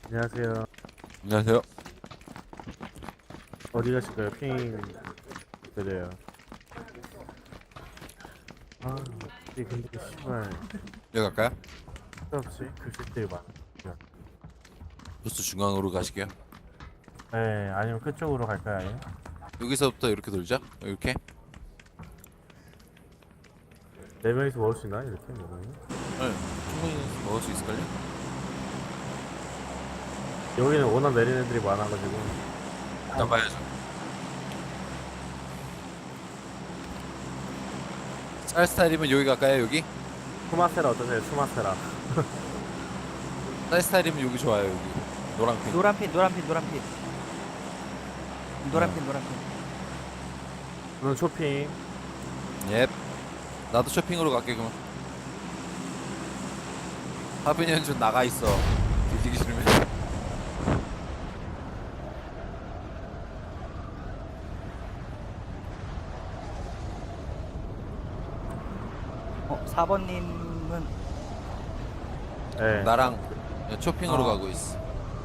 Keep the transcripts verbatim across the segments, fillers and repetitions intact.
안녕하세요. 안녕하세요. 어디 가실까요? 핑 드려요. 아, 이 근데 씨발 여기 갈까요? 없이 글씨들이 많아. 버스 중앙으로 가시게요. 네, 아니면 그쪽으로 갈까요? 아니면? 여기서부터 이렇게 돌자. 이렇게. 네 명이서 먹을 수 있나 이렇게 먹으면? 네. 충분히 먹을 수 있을걸요? 여기는 워낙 내리는 애들이 많아가지고. 일단 봐야죠. 쌀 스타일이면 여기 갈까요? 여기? 투마세라 어떠세요? 투마세라. 쌀 스타일이면 여기 좋아요. 여기. 노랑핑. 노란핀 노란핀 노란핀 노란핀 어. 노란핀. 저는 쇼핑. 예. 나도 쇼핑으로 갈게 그럼. 하빈이 형좀 나가 있어. 뒤지기 싫으면. 어 사 번님은 네. 나랑 쇼핑으로 어. 가고 있어.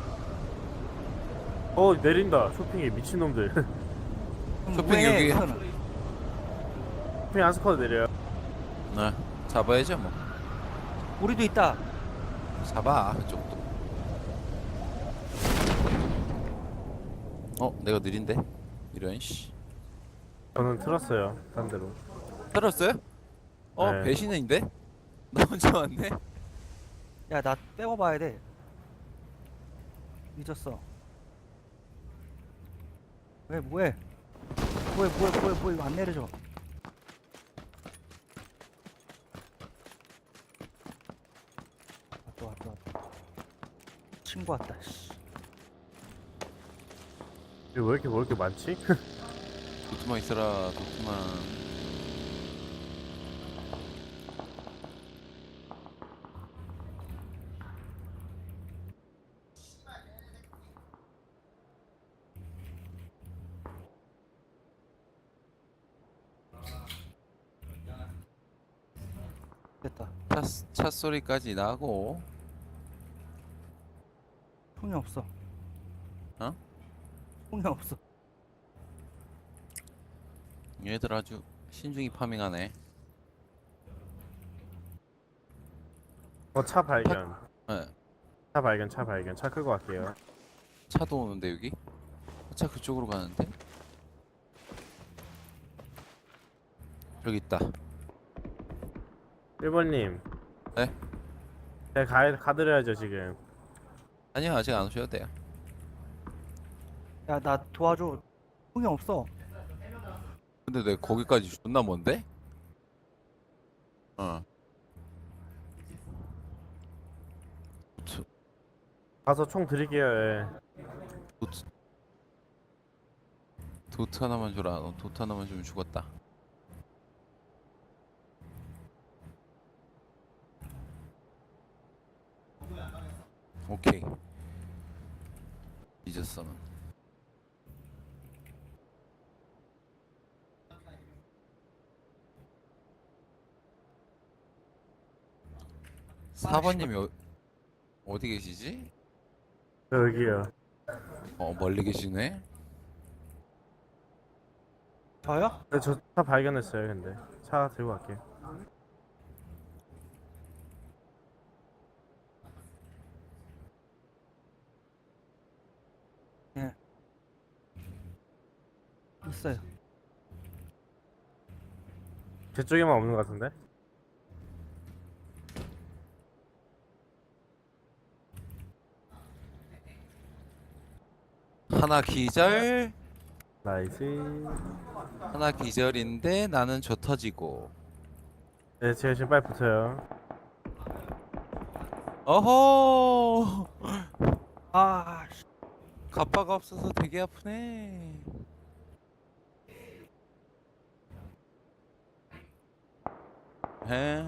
어 내린다. 쇼핑이 미친놈들. 쇼핑 여기. 쇼핑 한 스쿼드 내려요. 네. 잡아야죠 뭐. 우리도 있다. 잡아 그쪽도. 어 내가 느린데? 이런 씨. 저는 틀었어요. 딴 데로. 들었어요? 어 네. 배신인데? 나 혼자 왔네? 야 나 빼고 봐야 돼. 늦었어. 왜 뭐해? 뭐해 뭐해 뭐해 뭐해 이거 안 내려줘. 왔다 왔다 왔다. 친구 왔다. 씨. 이거 왜 이렇게 뭐 이렇게 많지? 도트만 있어라 도트만. 됐다. 차, 차 소리까지 나고. 총이 없어. 어? 총이 없어. 얘들 아주 신중히 파밍하네. 어 차 발견. 네. 차 발견. 차 발견. 차 끌고 갈게요. 차도 오는데 여기? 차 그쪽으로 가는데? 여기 있다. 일 번님. 네? 네, 가, 가드려야죠 지금. 아니요 아직 안 오셔도 돼요. 야 나 도와줘. 총이 없어. 근데 내 거기까지 존나 먼데? 어. 도트, 가서 총 드릴게요. 예. 도트 도트 하나만 줘라. 너 도트 하나만 주면 죽었다. 오케이. 잊었어. 넌. 사 번님이 어, 어디 계시지? 저 여기요. 어 멀리 계시네. 저요? 네, 저 차 발견했어요. 근데 차 들고 갈게요. 예. 있어요. 제 쪽에만 없는 것 같은데? 하나 기절. 나이스. 하나 기절인데 나는 저 터지고. 네, 제가 지금 빨리 붙어요. 어허. 아 씨. 가빠가 없어서 되게 아프네. 해.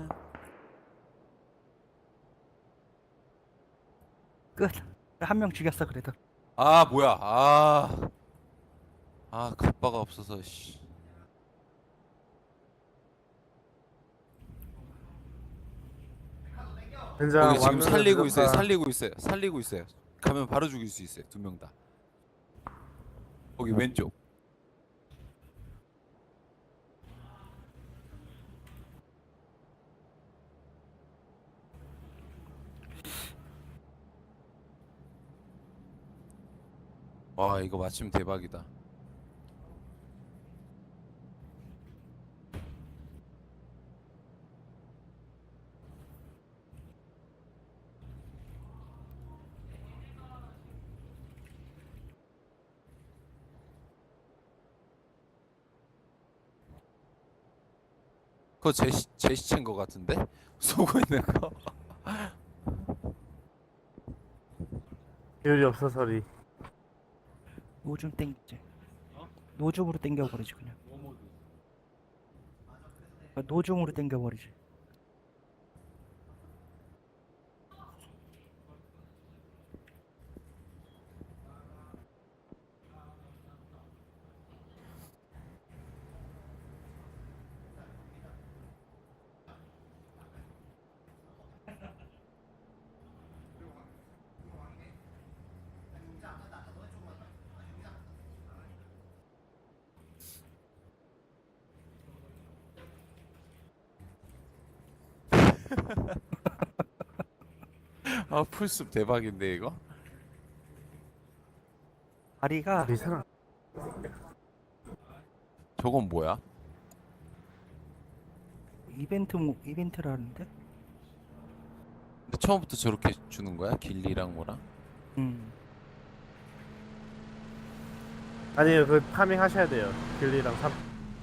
끝. 한 명 죽였어 그래도. 아 뭐야? 아. 아 가빠가 없어서 씨. 현장 거기 지금 완전 살리고 있어요. 늦었다. 살리고 있어요. 살리고 있어요. 가면 바로 죽일 수 있어요. 두 명 다. 거기 왼쪽. 와 이거 맞추면 대박이다. 그거 제, 시- 제 시체인 거 같은데? 쏘고 있는 거? 기울이 없어서리. 노줌 땡기지. 노줌으로 땡겨버리지 그냥. 아, 노줌으로 땡겨버리지. 아 풀숲 대박인데 이거? 다리가 이 사람. 저건 뭐야? 이벤트 모- 이벤트라는데? 근데 처음부터 저렇게 주는 거야? 길리랑 뭐랑? 음. 아니요, 그 파밍 하셔야 돼요. 길리랑 삼.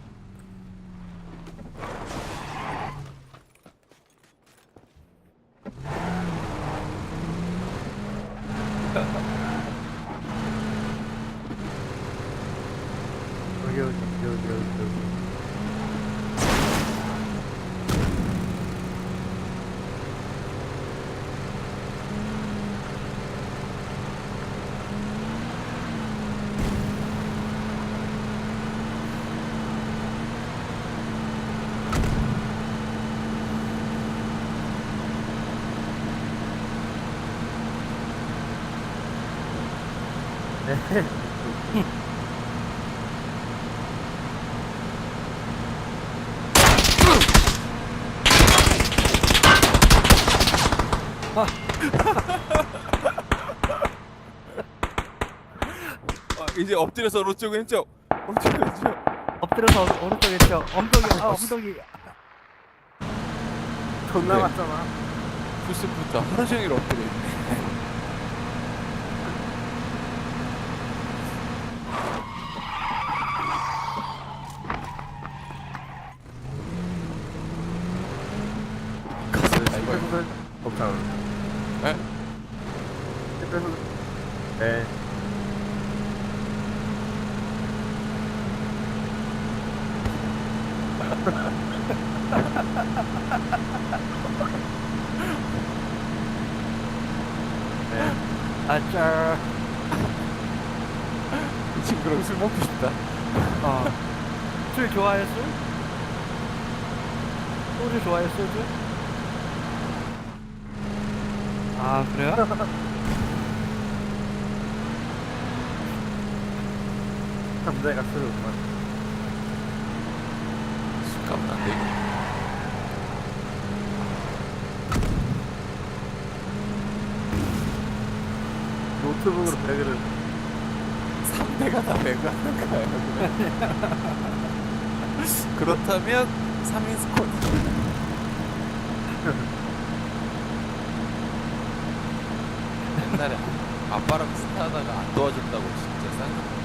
여기 여기 여기 여기 여기. 아, 이제 엎드려서 오른쪽 왼쪽 오른쪽 왼쪽. 엎드려서 오른- 오른쪽 왼쪽 엉덩이 아 엉덩이. 존나 네. 맞잖아. 풀숲부터 하루 종일 엎드려 있네. 가슴 아 이거 스페셜 곱창. 에? 스페셜. 네. 네. 아짜. 이 친구랑 술 먹고 싶다. 어. 술 좋아해 술? 소주 좋아해 소주? 아 그래요? 남자가 술을 못 마셔. 술값은 안 되고. 노트북으로 배그를. 삼 대가 다 배가는 거예요. 그렇다면 삼 인 스쿼드. 옛날에 아빠랑 스타하다가 안 도와줬다고 진짜 쌍욕.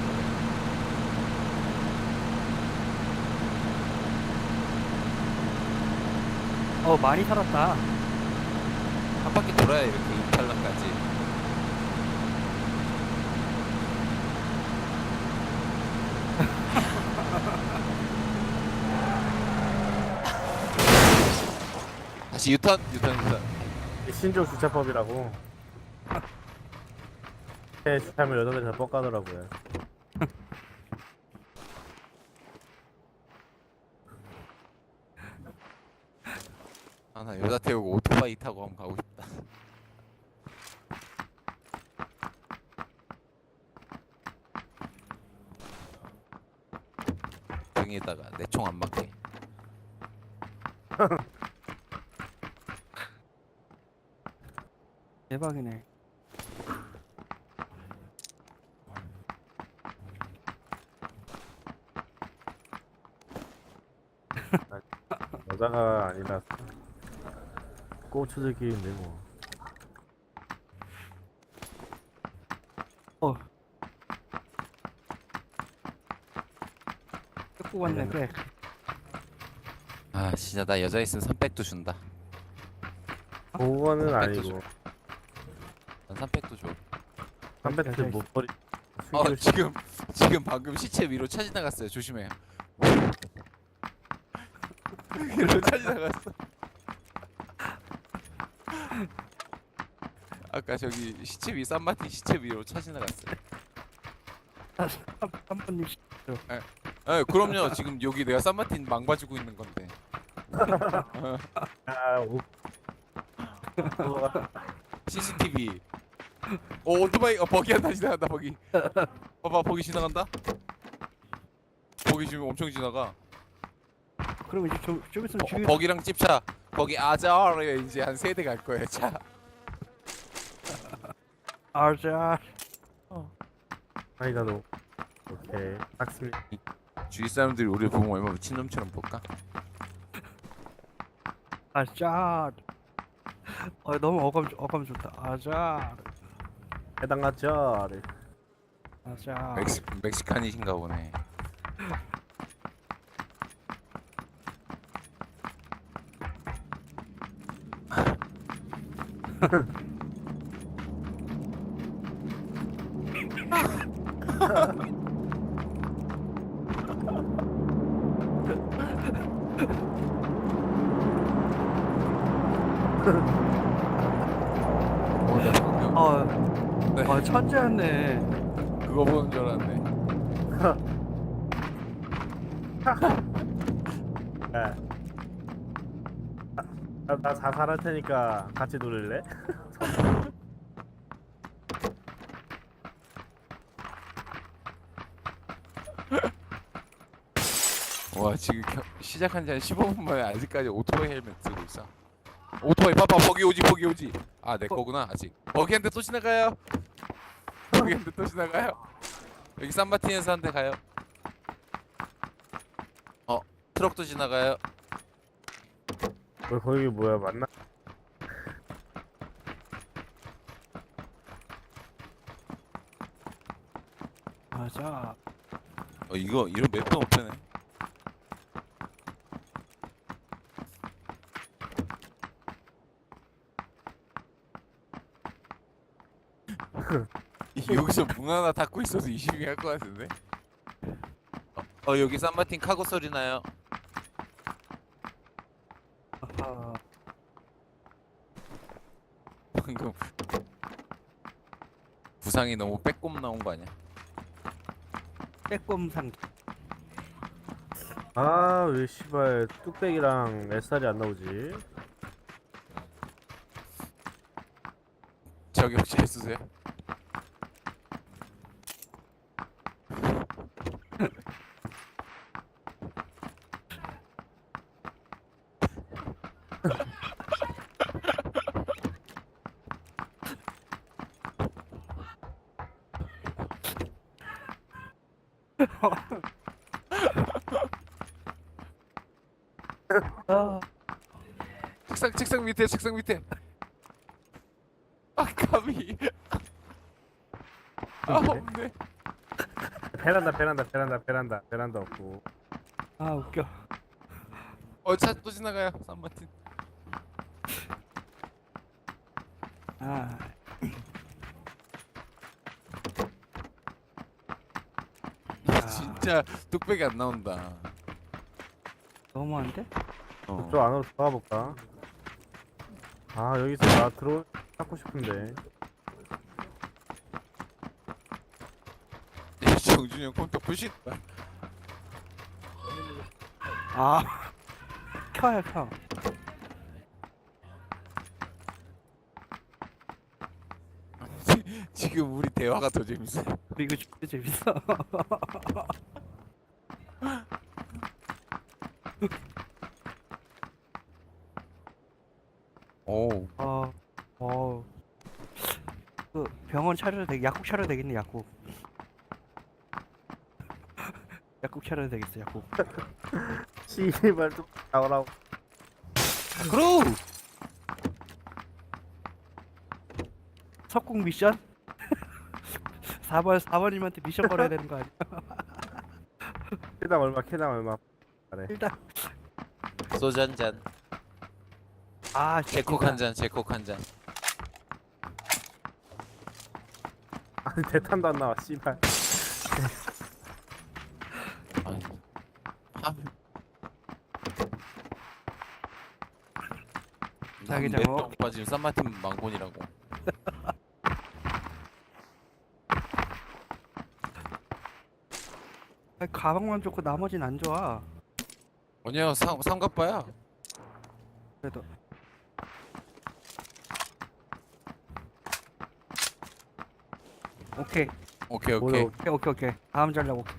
어 많이 살았다. 한 바퀴 돌아야 이렇게 임팔라까지. 다시 유턴 유턴 유턴. 이 신종 주차법이라고. 네, 주차하면 여덟 대잘 뻑가더라고요. 아 나 여자 태우고 오토바이 타고 한번 가고 싶다. 등에다가 내 총 안 맞게. 대박이네. 여자가 아니라 꼬추들끼리인데 뭐. 어. 뜯고 왔네 꽤. 아 진짜 나 여자 있으면 삼백도 준다. 그거는 삼백도 아니고 난 삼백도 줘. 삼백트 못 버리. 어 숨기고 싶- 지금 지금 방금 시체 위로 차 지나갔어요. 조심해요. 위로 차 지나갔어. 아까 저기 시체 위 산마틴 시체 위로 차 지나갔어요. 한 번님 아 그럼요. 지금 여기 내가 산마틴 망가지고 있는 건데. 아, 오. 그거가 씨씨티비. 오 오토바이 어 버기 한다 지나간다 버기. 봐봐 버기 지나간다. 버기 지금 엄청 지나가. 그럼 이제 좀, 좀 있으면 버, 죽이. 버기랑 찝차. 거기 아자르에 이제 한 세대 갈 거예요 차. 아자. 아이가 너. 오케이. 딱습니다. 주위 사람들이 우리 보면 얼마나 미친놈처럼 볼까? 아자. 어 너무 어감 어감 좋다. 아자. 해당하죠. 아자. 멕시 멕시칸이신가 보네. 어, 나 방금 어, 네. 어 천재였네. 그거 보는 줄 알았네. 네. 나, 나 자살할 테니까 같이 놀릴래? 와 지금 겨, 시작한 지 한 십오 분 만에 아직까지 오토바이 헬멧 쓰고 있어. 오토바이 봐봐 버기 오지 버기 오지. 아 내 거구나 아직. 버기한테 또 지나가요. 버기한테 또 지나가요. 여기 산마틴에서 한 대 가요. 어 트럭도 지나가요. 뭐 거기 뭐야 맞나? 아자. 어 이거 이런 맵도 없네. 여기서 문 하나 닫고 있어도 이십이 할 것 같은데. 어, 어 여기 산마틴 카고 소리 나요. 아하. 방금 부상이 너무 빼꼼 나온 거 아니야? 빼꼼상. 아 왜 씨발 뚝배기랑 뱃살이 안 나오지? 저기 혹시 해주세요. 아. 책상 책상 밑에 책상 밑에. 아 감히. 아 없네. 베란다 베란다 베란다 베란다 베란다 없고. 아 웃겨. 어차 또 지나가요 산마틴. 아. 진짜 뚝배기 안 나온다. 너무한데? 어. 그쪽 안으로 들어가 볼까? 아 여기서 나 들어 찾고 싶은데. 정준이 형 컴퓨터 부신다. 아. 켜요 켜. 지금 우리 대화가 더 재밌어. 이거 진짜 재밌어. 오. 어, 어, 그 병원 차려도 되겠, 약국 차려도 되겠네, 약국. 약국 차려도 되겠어, 약국. 씨발 좀 나오라고. 그럼. 석궁 미션? 사 번, 사 번님한테 미션 걸어야 되는 거 아니야? 캐당 얼마 캐당 얼마. 그래. 일단, 소주 한 잔. 아, 제콕 한 잔. 제콕 한 잔. 아니 대탄도 안 나와 씨발. 아니. 한. 자기장어. 몇 오빠 지금 산마틴 망본이라고. 아니, 가방만 좋고 나머진 안 좋아. 아니야 삼 삼갑바야. 그래도. 오케이, 오케이 뭐야, 오케이. 오케이, 오케이, 오케이. 다음 전략 오케이.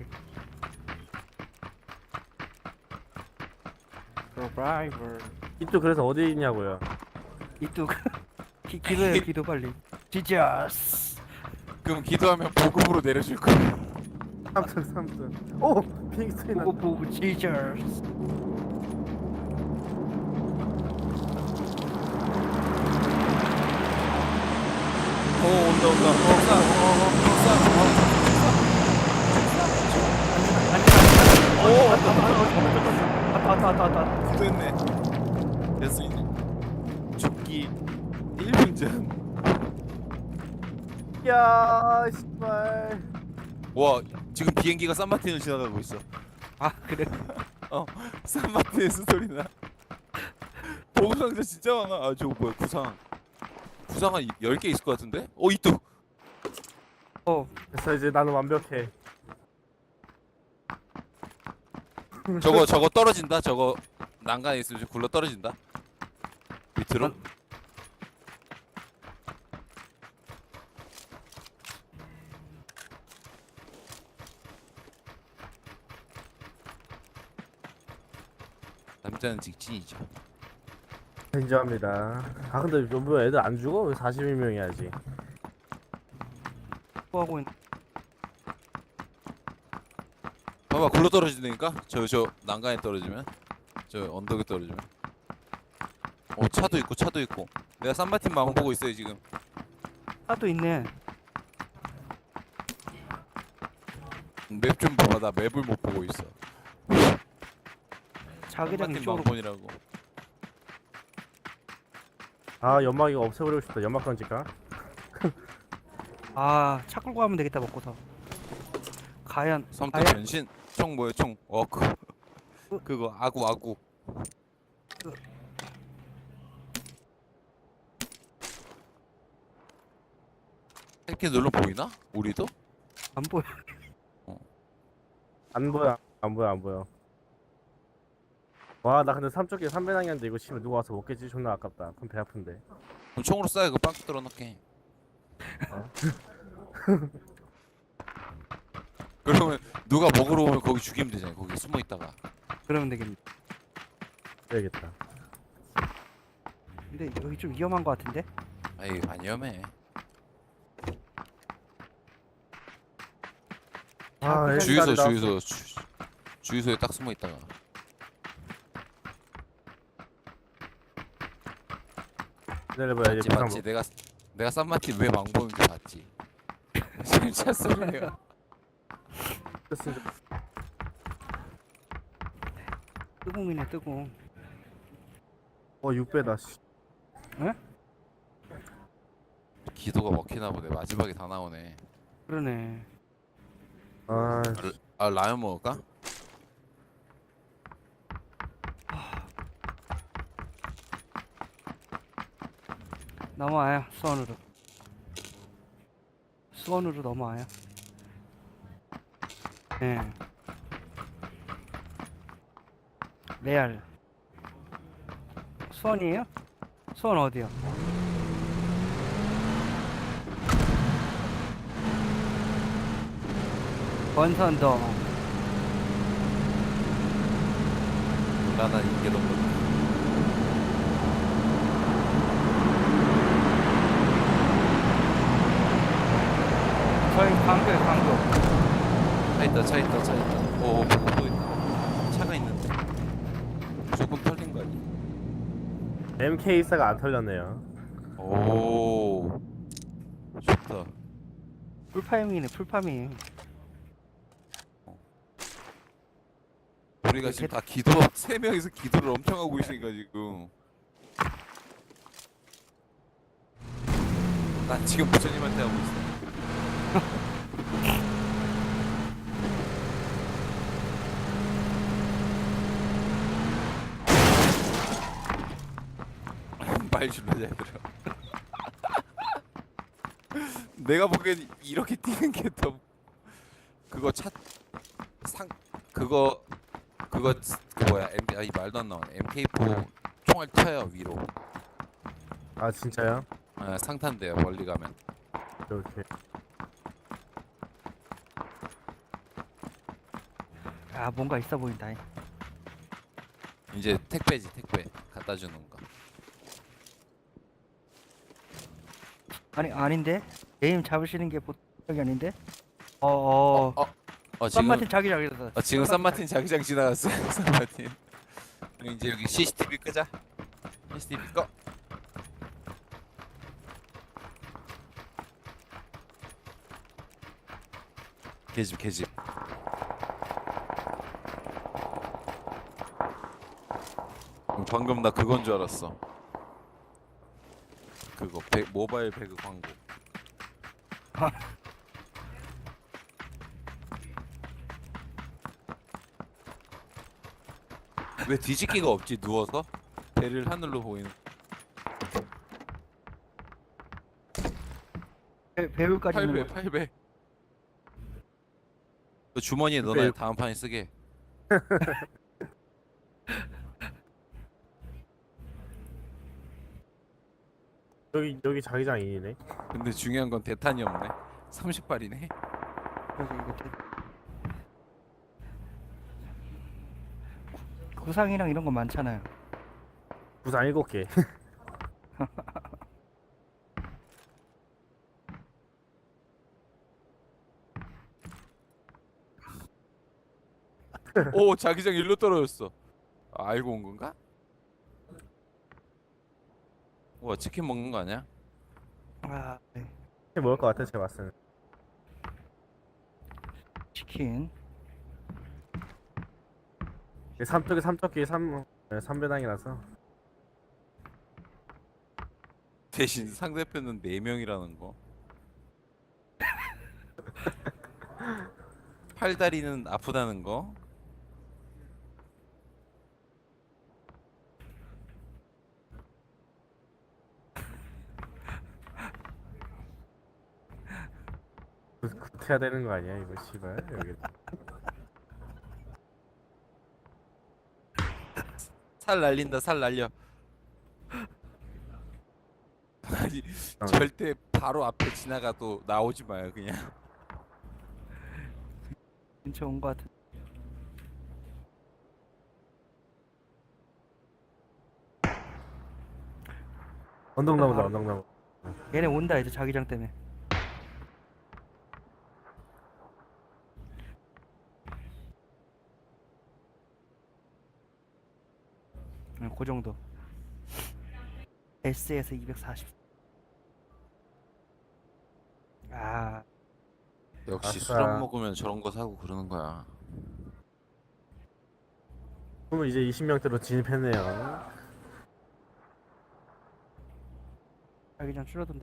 서바이벌. 이쪽 그래서 어디 있냐고요? 이뚝. 기, 기도해, 기도 빨리. 지저스. 그럼 기도하면 보급으로 내려줄 거야. 삼촌 삼촌. 오 비행기 소리 나. 보고 보고 지저스. 오 온다 온다. 옥상. 옥상. 오, 왔다, 왔다, 왔다, 왔다, 왔다. 됐네. 됐어. 죽기 일 분 전. 야 씨발. 와 지금 비행기가 산마틴을 지나가고 있어. 아, 그래. 산마틴에서 소리 나. 보급 상자 진짜 많아. 아 저거 뭐야 구상. 구상 한 열 개 있을 것 같은데? 어 이뚝. 어, 그래서 이제 나는 완벽해. 저거 저거 떨어진다. 저거 난간에 있으면 좀 굴러 떨어진다. 밑으로. 남자는 직진이죠. 인정합니다. 아 근데 뭐 애들 안 죽어? 왜 사십일 명이야지? 뭐 하고 있? 봐봐 굴러 떨어지니까 저 저 난간에 떨어지면 저 언덕에 떨어지면. 어 차도 있고 차도 있고. 내가 산마틴 마음 보고 있어요 지금. 차도 있네. 맵 좀 봐봐 나 맵을 못 보고 있어. 자기장 산마틴 이쪽으로. 망본이라고. 아 연막 이거 없애버리고 싶다. 연막 던질까? 아, 차 끌고 가면 되겠다 먹고서. 과연, 섬뜩 과연 변신 총 뭐야 총 워크 그거 아구 아구. 이렇게 눌러 보이나? 우리도? 안 보여. 안 보여 안 보여 안 보여. 와 나 근데 삼쪽에 삼 배낭이었는데 이거 치면 누가 와서 먹겠지? 존나 아깝다. 그럼 배 아픈데. 그럼 총으로 쏴 이거 빵 뚫어 넣게. 그러면 누가 먹으러 오면 거기 죽이면 되잖아. 거기 숨어 있다가. 그러면 되겠네. 그래야겠다. 근데 여기 좀 위험한 거 같은데? 아이 안 위험해. 아, 자기장- 주유소 나왔어. 주유소 주, 주유소에 딱 숨어 있다가. 기다려봐야 이제 맞지 부상 맞지. 내가 내가 쌈마틴 왜 망보는지 봤지. 지금 차 소리야. 먹겠으면 좋- 뜨궁이네, 뜨궁. 어 육 배다. 씨. 기도가 먹히나 보네. 마지막에 다 나오네. 그러네. 아 아 라면 먹을까? 넘어와요, 수원으로. 수원으로 넘어와요. 네. 레알. 수원이에요? 수원 어디요? 권선동. 나나 이게 너무. 저희 강도에 강도. 차 있다 차 있다 차 있다. 오 보고 또 있다. 차가 있는데 무조건 털린 거 아니야? 엠케이사가 안 털렸네요. 오 좋다. 풀파밍이네 풀파밍. 우리가 이렇게- 지금 다 기도 세 명이서 기도를 엄청 하고 있으니까 지금 난 지금 부처님한테 하고 있어. 말 줄여 얘들아. 내가 보기엔 이렇게 뛰는 게 더 그거 차 상 그거 그거 그 뭐야 M 아이 말도 안 나오네. 엠케이포 총알 튀어요 위로. 아 진짜요? 아, 상탄돼요 멀리 가면. 이렇게. 아 뭔가 있어 보인다. 이제 택배지 택배 갖다 주는 거. 아니 아닌데? 에임 잡으시는 게 보통이 아닌데? 어어. 어, 어 지금 쌈마틴 자기장에서. 어, 지금 산마틴 자기장 지나갔어요. 산마틴. 그럼 이제 여기 씨씨티비 끄자. 씨씨티비 꺼. 개집 개집. 음, 방금 나 그건 줄 알았어. 그거 배, 모바일 배그 광고. 왜 뒤집기가 없지 누워서? 배를 하늘로 보이는. 배, 배울까지 팔 배 있는 거. 팔 배. 그 주머니에 넣어놔 배- 다음 판에 쓰게. 여기 여기 자기장이네. 근데 중요한 건 대탄이 없네. 삼십 발이네. 여기 이거 대... 구상이랑 이런 거 많잖아요. 부상 일곱 개. 오 자기장 일로 떨어졌어. 아, 알고 온 건가? 와 치킨 먹는 거 아니야? 아 네. 먹을 것 같아 제가 봤을 때. 치킨. 삼쪽에 삼쪽기 삼 삼배당이라서. 대신 상대편은 네 명이라는 거. 팔다리는 아프다는 거. 구태야 되는 거 아니야 이거 씨발 여기. 살 날린다 살 날려. 아니 어. 절대 바로 앞에 지나가도 나오지 마요 그냥. 근처 온 거 같은. 언덕나무다 아. 언덕나무. 얘네 온다 이제 자기장 때문에. 응, 그 정도. S에서 이백사십. 아, 역시 아싸. 술 안 먹으면 저런 거 사고 그러는 거야. 그러면 이제 이십 명대로 진입했네요. 자기장 줄어든다.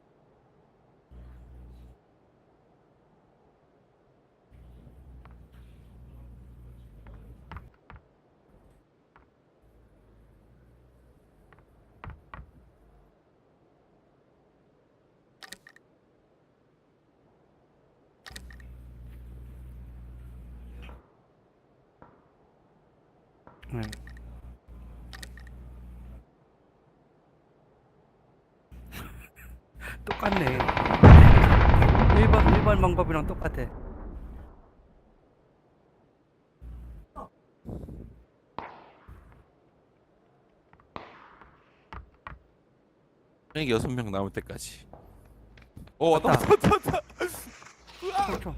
응. 똑같네. 일 번 일 번 방법이랑 똑같아. 여기 여섯 명 남을 때까지. 오 왔다 왔다. 왔다 왔다 왔다. 으아! 총총.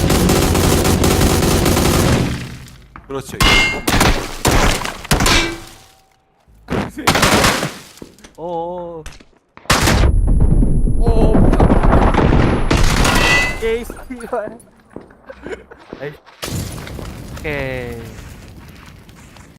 그렇지. 어어. 오, 에이 씨발. 오케이.